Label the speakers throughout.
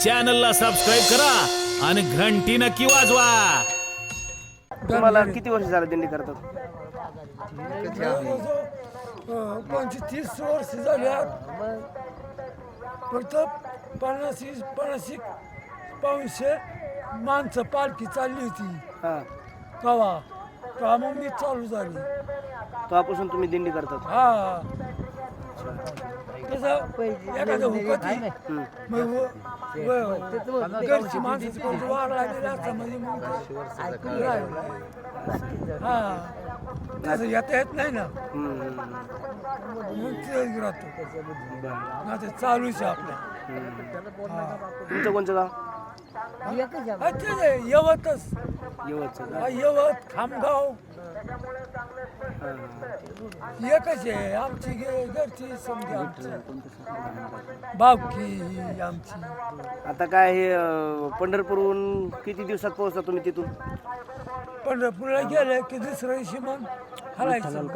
Speaker 1: चॅनलला सबस्क्राईब करा आणि घंटी नक्की वाजवा.
Speaker 2: तुम्हाला किती वर्ष झालं दिंडी करतात?
Speaker 3: 25-30 वर्ष झाल्यात. फक्त 50 पाऊणशे माणसं पालखी चालली होती
Speaker 2: हा,
Speaker 3: तेव्हा मग मी चालू झाली.
Speaker 2: तेव्हापासून तुम्ही दिंडी करतात?
Speaker 3: हा तसं एखादं हुकती मग घरची माणसाची कोणती वाढ लागलेली असता म्हणजे मग ते राहिलं. हा तसं येता येत नाही ना, मग ते राहतो आता चालूच आहे आपल्या.
Speaker 2: तुमचं कोणचं गाव?
Speaker 3: हा, तेच आहे, यवतच.
Speaker 2: यवतचं.
Speaker 3: हा, यवत खामगाव एकच आहे आमची घरची समजा आमची बावकी आमची.
Speaker 2: आता काय हे पंढरपूरहून किती दिवसात पोहोचता तुम्ही तिथून?
Speaker 3: पंढरपूरला गेले की दुसऱ्या दिवशी मग हलायचं.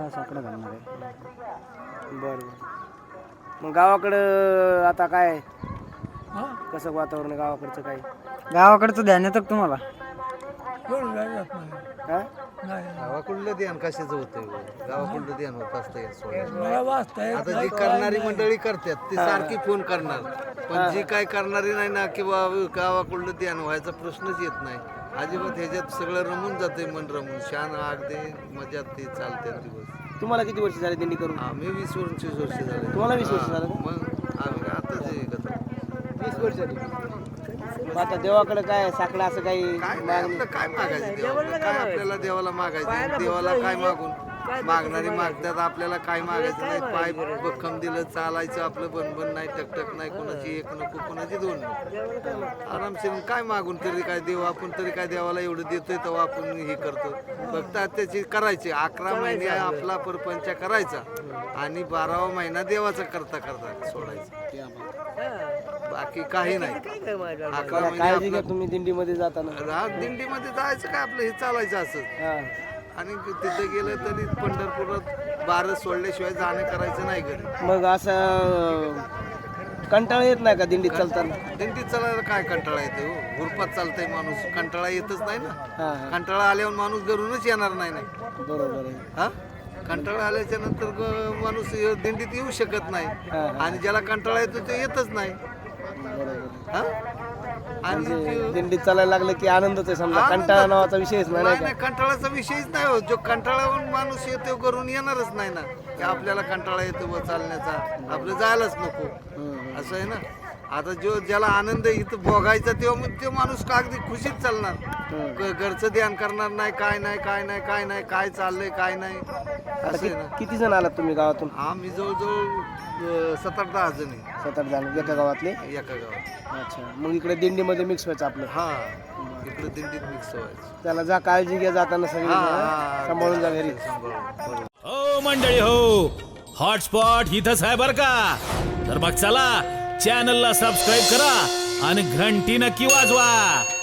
Speaker 2: बरं. मग गावाकडं आता काय
Speaker 3: हा
Speaker 2: कसं वातावरण आहे गावाकडचं? काय
Speaker 4: गावाकडचं ध्यान येतं का तुम्हाला?
Speaker 3: एवढं काय जात नाही.
Speaker 2: हा?
Speaker 3: नाही
Speaker 5: गावाकडलं ध्यान कशाचं होतंय? गावाकडलं ध्यान होत असतं या सोहळ्यात.
Speaker 3: मला वाचता येत
Speaker 5: आता
Speaker 3: नाही,
Speaker 5: जी
Speaker 3: काय
Speaker 5: करणारी
Speaker 3: नाही.
Speaker 5: मंडळी करतात ती सारखी फोन करणार, पण जी काय करणारी नाही ना किंवा गावाकडलं ध्यान व्हायचा प्रश्नच येत नाही अजिबात. ह्याच्यात सगळं रमून जाते, मन रमून शान अगदी मजात ते चालते दिवस.
Speaker 2: तुम्हाला किती वर्ष झाले दिंडी करून?
Speaker 5: आम्ही 20-25 वर्ष झाले.
Speaker 2: तुम्हाला 20 वर्ष झालं का?
Speaker 5: मग आम्ही आता जे 20 वर्ष झाली.
Speaker 2: आता देवाकडे काय साकडं असं काही
Speaker 5: काय नाही, आपलं काय मागायचं देवाला? काय आपल्याला देवाला मागायचं? देवाला काय मागून? मागणारी मागतात, आपल्याला काय मागायचं नाही. पाय भक्कम दिलं चालायचं आपलं, बनबन नाही, टकटक नाही, कोणाची एक नको कोणाची दोन नको, आरामशीर. काय मागून तरी काय देव? आपण तरी काय देवाला एवढं देतोय तेव्हा आपण हे करतो. फक्त त्याची करायची 11 महिने आपला परपंच करायचा आणि 12वा महिना देवाचा करता करता सोडायचा. बाकी काही नाही. 11 महिने
Speaker 2: काळजी घ्या तुम्ही दिंडीमध्ये जाताना.
Speaker 5: दिंडीमध्ये जायचं काय आपलं हे चालायचं असं.
Speaker 2: हा.
Speaker 5: आणि तिथे गेलं तरी पंढरपुरात 12 सोडल्याशिवाय जाणं करायचं नाही घरी.
Speaker 2: मग असं कंटाळा येत नाही का दिंडीत चालताना?
Speaker 5: दिंडीत चालायला काय कंटाळा येतो? गुरपात चालतंय माणूस, कंटाळा येतच नाही ना.
Speaker 2: हा,
Speaker 5: कंटाळा आल्यावर माणूस घरूनच येणार नाही ना.
Speaker 2: बरोबर आहे.
Speaker 5: हा, कंटाळा आल्याच्या नंतर माणूस दिंडीत येऊ शकत नाही. आणि ज्याला कंटाळा येतो ते येतच नाही. हा, आणि
Speaker 2: दिंडीत चालायला लागलं की आनंदच आहे समजा, कंटाळा नावाचा विषयच नाही
Speaker 5: नाही
Speaker 2: का?
Speaker 5: नाही, कंटाळाचा विषयच नाही होत. जो कंटाळावून माणूस येतो घरून येणारच नाही ना, की आपल्याला कंटाळा येतो व चालण्याचा, आपलं जायलाच नको असं आहे ना. आता ज्याला आनंद इथं भोगायचा तेव्हा मग तो माणूस अगदी खुशीत चालणार. घरचं ध्यान करणार नाही, काय नाही काय नाही काय नाही, काय चाललंय काय नाही असं आहे ना.
Speaker 2: किती जण आलात तुम्ही गावातून?
Speaker 5: आम्ही जवळजवळ 7-8-10 जण आहे
Speaker 2: सात-आठ जण एका गावातले?
Speaker 5: एका गावात.
Speaker 2: अच्छा. मग इकडे दिंडीमध्ये मिक्स व्हायचं आपलं?
Speaker 5: हा, इकडे दिंडीत मिक्स व्हायचं.
Speaker 2: त्याला जा काळजी घ्या जाताना सगळी. सांभाळून जा घरी.
Speaker 5: सांभाळून.
Speaker 1: हो मंडळी हो, हॉटस्पॉट इथंच आहे बर का. तर मग चला चॅनलला सबस्क्राईब करा आणि घंटी नक्की वाजवा.